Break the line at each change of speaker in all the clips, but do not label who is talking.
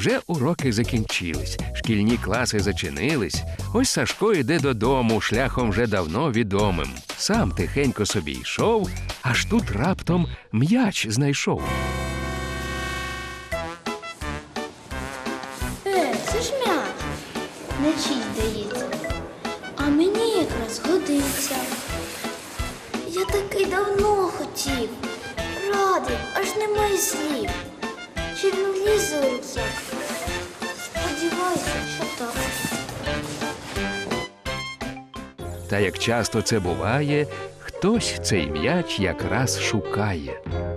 Вже уроки закінчились, шкільні класи зачинились. Ось Сашко йде додому шляхом вже давно відомим. Сам тихенько собі йшов, аж тут раптом м'яч знайшов.
Це ж м'яч. Не чий, здається. А мені якраз годиться. Я таки давно хотів. Радий, аж немає слів. Чи він влізе у рюкзак? Сподіваюся, що так.
Та як часто це буває, хтось цей м'яч якраз шукає.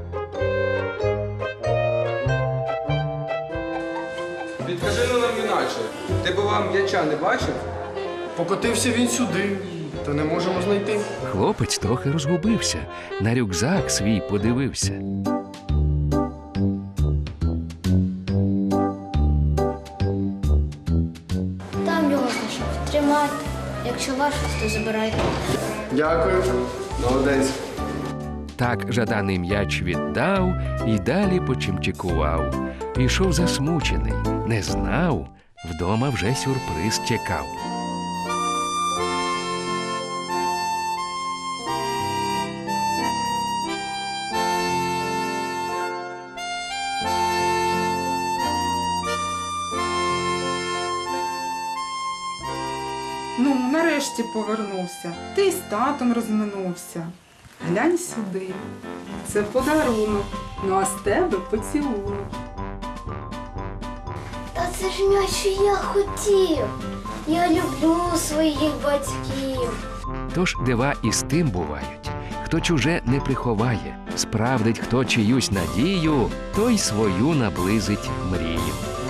Підкажи нам іначе. Ти бува м'яча не бачив?
Покотився він сюди, та не можемо знайти.
Хлопець трохи розгубився, на рюкзак свій подивився.
Там його знайшов. Тримайте. Якщо ваше, то забирайте.
Дякую. Молодець.
Так жаданий м'яч віддав і далі почимчикував. Ішов засмучений, не знав, вдома вже сюрприз чекав.
Ну, нарешті повернувся. Ти з татом розминувся. Глянь сюди. Це подарунок. Ну а з тебе поцілунок.
Та це ж м'яч, що я хотів. Я люблю своїх батьків.
Тож дива і з тим бувають. Хто чуже не приховає, справдить хто чиюсь надію, той свою наблизить мрію.